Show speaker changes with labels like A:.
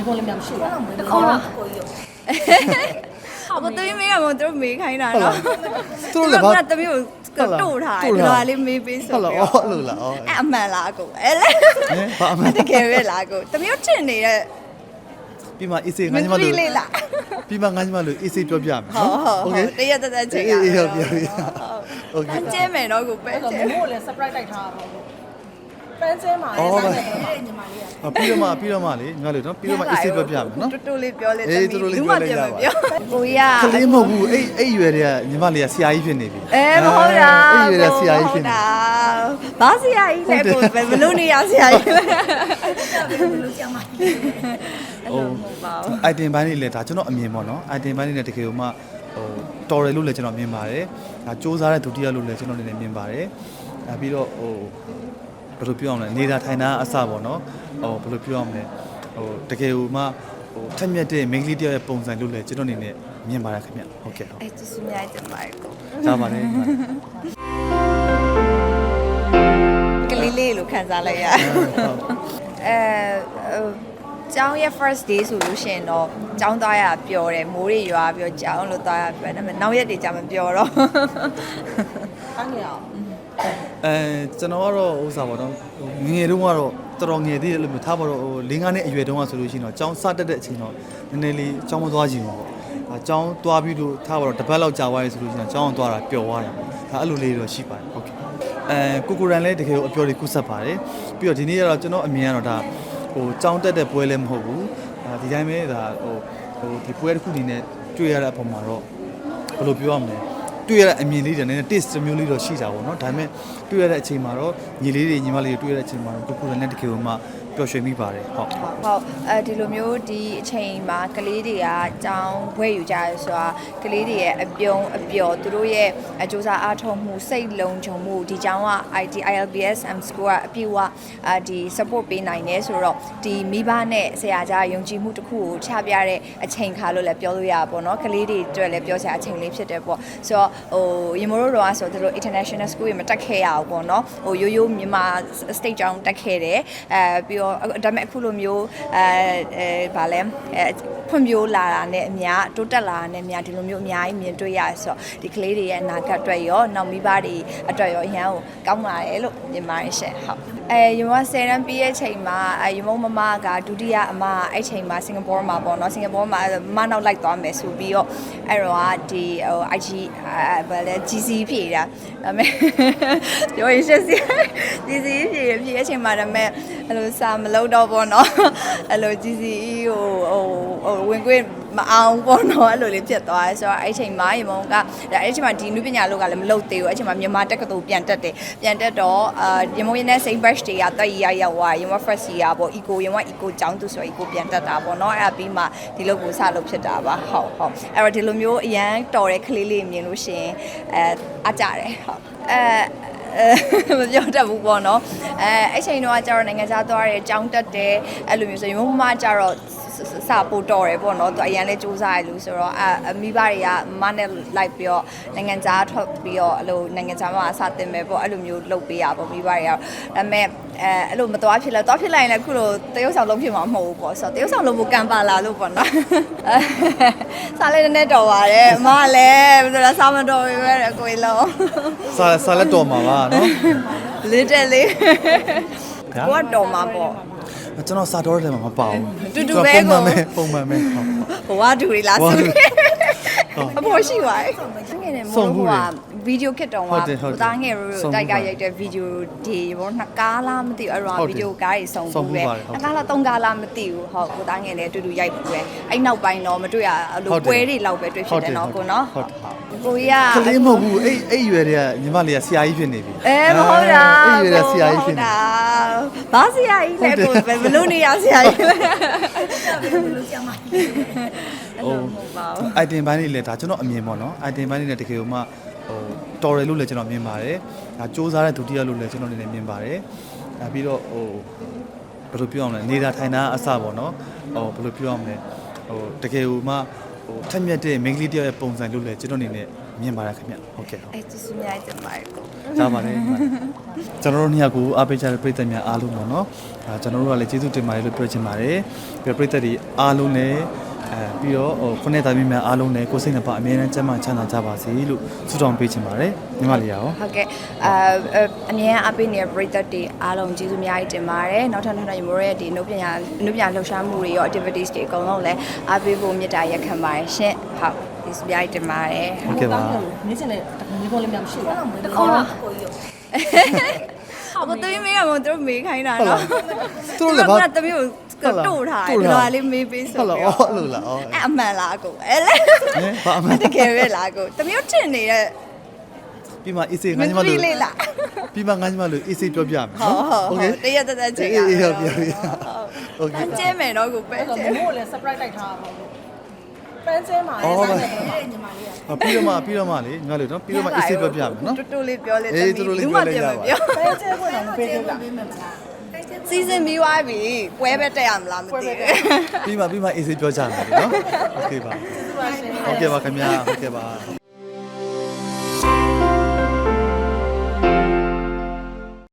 A: ပေါ်လည်းမရှိဘူးတခေါ
B: 哦
A: က်
B: 我对面我都没看到了，
C: သူတို့လည်းဘာ
B: 那都没有个逗他，对吧？你没背熟
C: ဟုတ်လားအော်လို့လားအော်
B: 哎，蛮拉过，哎嘞，
C: ဟင်ဘာအမှန်
B: 这个月拉过，都没有真的，
C: ပြီးမှအေးစေးငါ
B: 没
C: ညီမ
B: 注
C: တို့
B: 意啦。
C: ပြီးမှငါညီမတို့အေးစေးပြောပြမယ်
B: 好好好，这也在这
C: အေး
B: 样。
C: အေးဟုတ်ပြီโอเค
B: 姐妹တော့ကိုပဲ
A: အဲ့တော့မမို့လည်း surprise တိုက်ထားတာပေါ့ပန်းစဲမှာလည်းစားတယ်ညီမလေးက
C: ပြီးတော့မှလေညီမတို့နော်ပြီးတော့မှအေးစေးပြောပြမယ်နော်
B: တူတူလေးပြောလေ
C: အေးတူတူလေးပြောလိုက်ရပါ
B: ကိုရ
C: ကလေးမဟုတ်ဘူးအဲ့ရွယ်တွေကညီမလေးကဆရာကြီးဖြစ်နေပြီ
B: မဟုတ်တာ
C: အဲ့ရွယ်တွေကဆရာကြီးဖြစ်နေ
B: ဘာဆရာကြီးလဲကိုဘယ်လိုနေရဆရာကြီးလဲ
A: ဘယ်လိုဆရာမကြီး
B: ဟုတ်ပါဘူး
C: item ဘိုင်းလေးလည်းဒါကျွန်တော်အမြင်ပေါ့နော် item ဘိုင်းလေးနဲ့တကယ်လို့မှတော်တယ်လို့လည်းကျွန်တော်မြင်ပါတယ်ဒါစူးစမ်းတဲ့ဒုတိယလို့လည်းကျွန်တော်လည်းမြင်ပါတယ်ဒါပြီးတော့ဘယ်လိုပြောအောင်လဲနေတာထိုင်တာအစပေါ့နော်ဘယ်လိုပြောအောင်လဲတကယ်လို့မှထက်မြက်တဲ့ main လေးတယောက်ရဲ့ပုံစံလို့လည်းကျွန်တော်အနေနဲ့မြင်ပါတယ်ခင်ဗျဟုတ်ကဲ့ဟုတ်
B: အဲ့ကျေးဇူးများတင်ပါတယ်ကို
C: ဒါပါလေ
B: ကလေးလေးလို့ခံစားလိုက်ရကျောင်းရဲ့ first day ဆိုလို့ရှိရင်တော့ကျောင်းသွားရပျော်တယ်မိုးတွေရွာပြီးတော့ကျောင်းလို့သွားရပျော်တယ်ဒါပေမဲ့နောက်ရက်တွေကြာမပျော်တော့
A: အားငယ်အောင်
C: ကျွန်တော်ကတော့ဥစ္စာပေါ့နော်ငယ်တုန်းကတော့တော်တော်ငယ်သေးတယ်လို့မျိုးထားပါတော့၄၅နှစ်အရွယ်တုန်းကဆိုလို့ရှိရင်တော့ကျောင်းစတက်တဲ့အချိန်တော့နည်းနည်းလေးကျောင်းမသွားချင်ဘူးပေါ့ကျောင်းသွားပြီးတော့ထားပါတော့တစ်ပတ်လောက်ကြာသွားပြီဆိုလို့ရှိရင်ကျောင်းအောင်သွားတာပျော်သွားတာဒါအဲ့လိုလေးတော့ရှိပါတယ်ဟုတ်ကဲ့ကိုကိုရန်လည်းတကယ်ကိုအပျော်တွေကုဆက်ပါတယ်ပြီးတော့ဒီနေ့ကတော့ကျွန်တော်အမြင်ကတော့ဒါကျောင်းတက်တဲ့ပွဲလည်းမဟုတ်ဘူးဒီတိုင်းပဲဒါဒီပွဲတစ်ခုအနေနဲ့တွေ့ရတဲ့အပေါ်မှာတော့ဘယ်လိုပြောရမလဲတွေ့ရတဲ့အမြင်လေးတွေနည်းနည်း taste မျိုးလေးတော့ရှိတာပေါ့နော်ဒါပေမဲ့တွေ့ရတဲ့အချိန်မှာတော့ညီလေးတွေညီမလေးတွေတွေ့ရတဲ့အချိန်မှာတော့ကိုကိုရန်နဲ့တကယ်ကိုမှပျော်ရွှင်မိပါတယ်ဟုတ်
B: ဒီလိုမျိုးဒီအချိန်မှာကလေးတွေကကျောင်းဘွဲယူကြရဆိုတာကလေးတွေရဲ့အပြုံးအပျော်သူတို့ရဲ့အကြိုးစားအားထုတ်မှုစိတ်လုံးချုံမှုဒီကျောင်းက ILBSM school ကအပြည့်အဝဒီ support ပေးနိုင်တယ်ဆိုတော့ဒီမိဘနဲ့ဆရာကြားယုံကြည်မှုတစ်ခုကိုချပြတဲ့အချိန်ခါလို့လည်းပြောလို့ရပါဘောเนาะကလေးတွေအတွက်လည်းပြောစရာအချိန်လေးဖြစ်တယ်ပေါ့ဆိုတော့ရေမိုးတို့တော့ဆိုသူတို့ international school တွေမတက်ခဲ့ရဘူးပေါ့เนาะရိုးရိုးမြန်မာ state ကျောင်းတက်ခဲ့တယ်ပြီးတော့ဒါပေမဲ့အခုလိုမျိုးဗာလဲဖွံ့ဖြိုးလာတာနဲ့အများတိုးတက်လာတာနဲ့အများဒီလိုမျိုးအများကြီးမြင်တွေ့ရဆိုတော့ဒီကလေးတွေရဲ့အနာဂတ်အတွက်ရောနောက်မိဘတွေအတွက်ရောအရန်ကိုကောင်းလာတယ်လို့မြင်ပါတယ်ရှင့်ဟုတ်ရေမ10တန်းပြီးရဲ့ချိန်မှာရေမမကဒုတိယအမအဲ့ချိန်မှာစင်ကာပူမှာပေါ့နော်စင်ကာပူမှာမနောက်လိုက်သွားမယ်ဆိုပြီးတော့အဲ့တော့ဒီ IG ဗာလဲ GC ဖြည့်တာဒါပေမဲ့ပြောရင်ရှက်စီ GC ဖြည့်ရဲ့ချိန်မှာဒါပေမဲ့အဲ့လိုစာမလုပ်တော့ပေါ့နော်အဲ့လို GCE ကိုဝင်ခွင့်မအောင်ပေါ့နော်အဲ့လိုလေးဖြစ်သွားတယ်ဆိုတော့အဲ့ချိန်မှာရေမုံကအဲ့ချိန်မှာဒီနုပညာလောကလည်းမလုပ်သေးဘူးအဲ့ချိန်မှာမြန်မာတက္ကသိုလ်ပြန်တက်တယ်ပြန်တက်တော့ရေမုံရင်းနဲ့ same batch တွေကတက်ရရောက်သွားရေမုံ first year ပေါ့ eco ရေမုံ eco ကျောင်းသူဆို eco ပြန်တက်တာပေါ့နော်အဲ့ပြီးမှဒီလိုကိုစလုပ်ဖြစ်တာပါဟုတ်အဲ့တော့ဒီလိုမျိုးအရန်တော်တဲ့ကလေးလေးမြင်လို့ရှိရင်အားကြတယ်ဟုတ်မပြောတတ်ဘူးပေါ့နော်အဲ့ချိန်တော့ကျတော့နိုင်ငံခြားသွားတယ်ကျောင်းတက်တယ်အဲ့လိုမျိုးဆိုရင်မမကျတော့စာပို့တော်တယ်ပေါ့နော်သူအရန်လဲစူးစမ်းရလို့ဆိုတော့မိဘတွေကမနဲ့လိုက်ပြီးတော့နိုင်ငံခြားထွက်ပြီးတော့အဲ့လိုနိုင်ငံခြားမှာအစတင်မယ်ပေါ့အဲ့လိုမျိုးလုပ်ပေးရပေါ့မိဘတွေကဒါပေမဲ့အဲ့လိုမသွားဖြစ်လဲသွားဖြစ်လိုက်ရင်လည်းအခုလိုတရုတ်ဆောင်လုံးဖြစ်မှာမဟုတ်ဘူးပေါ့ဆိုတော့တရုတ်ဆောင်လုံးကိုကံပါလာလို့ပေါ့နော်စားလဲနည်းနည်းတော်ပါတယ်အမလည်းဘယ်လိုလဲစားမတော်ပြီပဲကိုယ်လုံး
C: စာလက်တော်မှာပါနော်
B: လေးတက်လေးကိုကတော်မှာပေါ့
C: ကျွန်တော်စာတော်တယ်မှာမပါဘူး
B: တူတူပဲကို
C: ပုံမှန်ပဲဟုတ်
B: ဘဝတူတွေလားဆိုအဖို့ရှိပါရဲ့ငယ်နေမို့ဟိုကဗီဒီယိုခစ်တောင်ကသားငယ်ရိုးတိုက်ကရိုက်တဲ့ဗီဒီယိုဒီဘောနှစ်ကားလားမသိဘူးအဲ့တော့ဗီဒီယိုကားတွေစုံဘူးပဲနှစ်ကားလားသုံးကားလားမသိဘူးဟုတ်ကိုသားငယ်လည်းအတူတူရိုက်ဘူးပဲအဲ့နောက်ပိုင်းတော့မတွေ့ရအဲ့လိုပွဲတွေလောက်ပဲတွေ့ဖြစ်တယ်နော်ကိုနော်ဟုတ်ကိုရ
C: ကလေးမဟုတ်ဘူးအဲ့ရွယ်တွေကညီမလေးကဆရာကြီးဖြစ်နေပြီ
B: မဟုတ်တာ
C: အဲ့ရွယ်တွေကဆရာကြီးဖြစ်နေ
B: ဘာဆရာကြီးလဲကိုဘယ်လိုနေရဆရာကြီးလဲ
A: ဘယ်လိုဆရာမကြီး
C: item ဘိုင်းလေးလည်းဒါကျွန်တော်အမြင်ပေါ့နော် item ဘိုင်းလေးလည်းတကယ်လို့မှတော်တယ်လို့လည်းကျွန်တော်မြင်ပါတယ်ဒါစူးစမ်းတဲ့ဒုတိယလို့လည်းကျွန်တော်အနေနဲ့မြင်ပါတယ်ဒါပြီးတော့ဘယ်လိုပြောအောင်လဲနေတာထိုင်တာအစပေါ့နော်ဘယ်လိုပြောအောင်လဲတကယ်လို့မှထက်မြက်တဲ့ main လေးတယောက်ရဲ့ပုံစံလို့လည်းကျွန်တော်အနေနဲ့မြင်ပါတယ်ခင်ဗျဟုတ်ကဲ့
B: အဲ့ကျေးဇူးများတင်ပါတယ်ကို
C: ကြားပါတယ်ကျွန်တော်တို့နှစ်ယောက်ကိုအားပေးကြတဲ့ပရိသတ်များအားလုံးပေါ့နော်ကျွန်တော်တို့ကလည်းကျေးဇူးတင်ပါတယ်လို့ပြောချင်ပါတယ်ပြီးတော့ပရိသတ်တွေအားလုံးလည်းပြီးတော့ခုနှစ်သားမီးများအားလုံးလည်းကိုယ်စိတ်နှပါအမြဲတမ်းကျန်းမာချမ်းသာကြပါစေလို့ဆုတောင်းပေးချင်ပါတယ်ညီမလေးရော
B: ဟုတ်ကဲ့အမြဲအပိနေတဲ့ပရိသတ်တွေအားလုံးကျေးဇူးအများကြီးတင်ပါတယ်နောက်ထပ်ညီမတို့ရဲ့ဒီအနုပညာလှူရှားမှုတွေရော activities တွေအကုန်လုံးလည်းအားပေးဖို့မေတ္တာရက်ခံပါတယ်ရှင်ဟုတ်ကျေးဇူးအများကြီးတင်ပါတယ်
C: ဟုတ်ကဲ့ပါ
A: နေချင်တဲ့ဒီပေါ်လေးများမရှိဘူး
B: တခေါ်ကိုကြီးဟုတ်တမီးမေးရမတို့မေးခိုင်းတာနော်
C: သူတို့လည်းဘာ
B: တမီးကိုတို့ထားတယ်ဒါလေးမေးပေးဆို
C: ဟုတ်လားအော်အဲ့လိုလားအော်
B: အဲ့အမှန်လားကိုအဲ့လေ
C: ဘာအမှန်
B: တကယ်ပဲလားကိုတမီးတို့ထင်နေတဲ့
C: ပြီးမှအေးစေး
B: မ
C: ငါ
B: င်း
C: ညီ
B: သမ
C: မ
B: ီး
C: လို့
B: လေးလား
C: ပြီးမှငါညီမလို့အေးစေးပြောပြမယ်
B: ဟုတ်ဟုတ်
C: โอ
B: ဟု
C: เค
B: တ်တရက်တက်တက်ချိန်ရ
C: အေးဟုတ်ပြီโอเค
B: ပန်းကျဲမယ်တော့ကိုပဲ
A: အဲ့တော့
B: ကျဲ
A: မမို့လည်း surprise တိုက်ထားပါဘူးပန်းကျဲမှာလည်းဆိုင်တယ်ညီမလေးက
C: ပြီးတော့မှလေငါလို့နော်ပြီးတော့မှအေးစေးပြောပြမယ်နော်
B: တူတူလေးပြောလေ
C: အေးတူတူလေးပြောလိုက်ရပါ
A: ပန်းကျဲခွင့်တော့မပေးသေးဘူး
B: စီစဉ်ပြီးသွားပြီပွဲပဲတက်ရမလားမသိဘူး
C: ပြီးမှအေးစေးပြောကြမယ်နော်โอเคပါ
A: ကျေးဇူးပါရှင်
C: ဟုတ်ကဲ့ပါခင်ဗျာဟုတ်ကဲ့ပါ